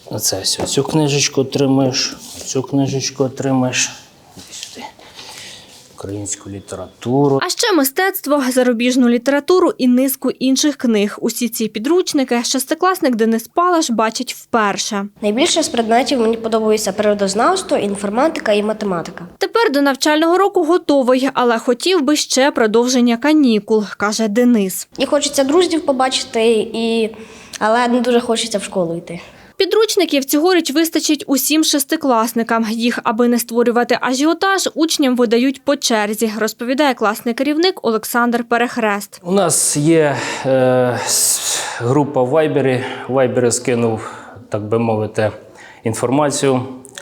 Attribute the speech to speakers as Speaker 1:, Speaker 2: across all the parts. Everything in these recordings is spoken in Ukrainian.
Speaker 1: Оце все. Цю книжечку отримаєш, цю книжечку отримаєш. Іди сюди. Українську літературу.
Speaker 2: А ще мистецтво, зарубіжну літературу і низку інших книг. Усі ці підручники шестикласник Денис Палаш бачить вперше.
Speaker 3: Найбільше з предметів мені подобається природознавство, інформатика і математика.
Speaker 2: Тепер до навчального року готовий, але хотів би ще продовження канікул, каже Денис.
Speaker 3: І хочеться друзів побачити, але не дуже хочеться в школу йти.
Speaker 2: Підручників цьогоріч вистачить усім шестикласникам. Їх, аби не створювати ажіотаж, учням видають по черзі, розповідає класний керівник Олександр Перехрест.
Speaker 1: У нас є група в Вайбері. В Вайбері скинув, так би мовити, інформацію.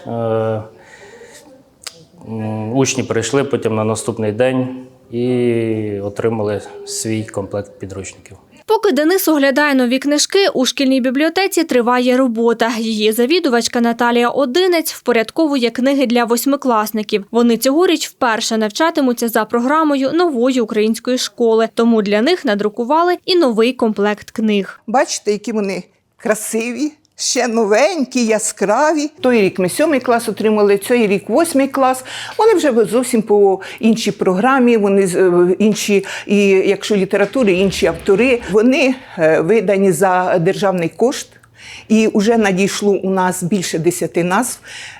Speaker 1: Учні прийшли потім на наступний день і отримали свій комплект підручників.
Speaker 2: Поки Денис оглядає нові книжки, у шкільній бібліотеці триває робота. Її завідувачка Наталія Одинець впорядковує книги для восьмикласників. Вони цьогоріч вперше навчатимуться за програмою нової української школи, тому для них надрукували і новий комплект книг.
Speaker 4: Бачите, які вони красиві, ще новенькі, яскраві. Той рік ми 7 клас отримали, цей рік 8 клас. Вони вже зовсім по іншій програмі, вони інші, і якщо літератури, інші автори. Вони видані за державний кошт. І вже надійшло у нас більше 10 назв.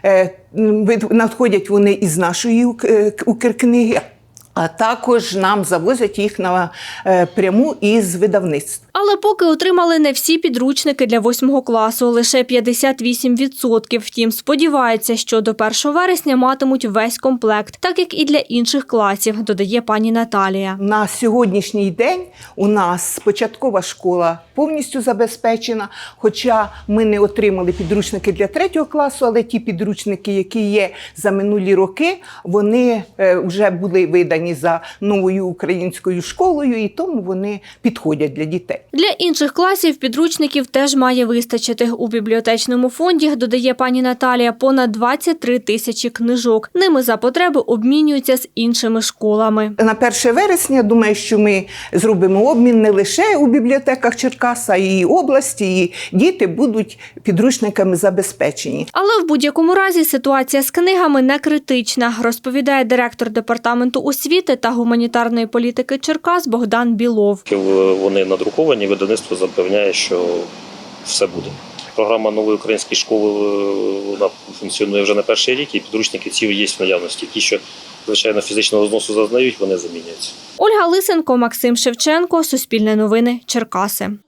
Speaker 4: Надходять вони із нашої Укркниги, а також нам завозять їх напряму із видавництва.
Speaker 2: Але поки отримали не всі підручники для 8 класу, лише 58%. Втім, сподіваються, що до 1 вересня матимуть весь комплект, так як і для інших класів, додає пані Наталія.
Speaker 4: На сьогоднішній день у нас початкова школа повністю забезпечена, хоча ми не отримали підручники для 3 класу, але ті підручники, які є за минулі роки, вони вже були видані за новою українською школою, і тому вони підходять для дітей.
Speaker 2: Для інших класів підручників теж має вистачити. У бібліотечному фонді, додає пані Наталія, понад 23 тисячі книжок. Ними за потреби обмінюються з іншими школами.
Speaker 4: На 1 вересня, думаю, що ми зробимо обмін не лише у бібліотеках Черкаса, а і області, і діти будуть підручниками забезпечені.
Speaker 2: Але в будь-якому разі ситуація з книгами не критична, розповідає директор департаменту освіти та гуманітарної політики Черкас Богдан Білов.
Speaker 5: Вони надруковані, видавництво запевняє, що все буде. Програма нової української школи вона функціонує вже на 1-й рік, і підручники ці є в наявності. Ті, що, звичайно, фізичного зносу зазнають, вони замінюються.
Speaker 2: Ольга Лисенко, Максим Шевченко, Суспільне новини, Черкаси.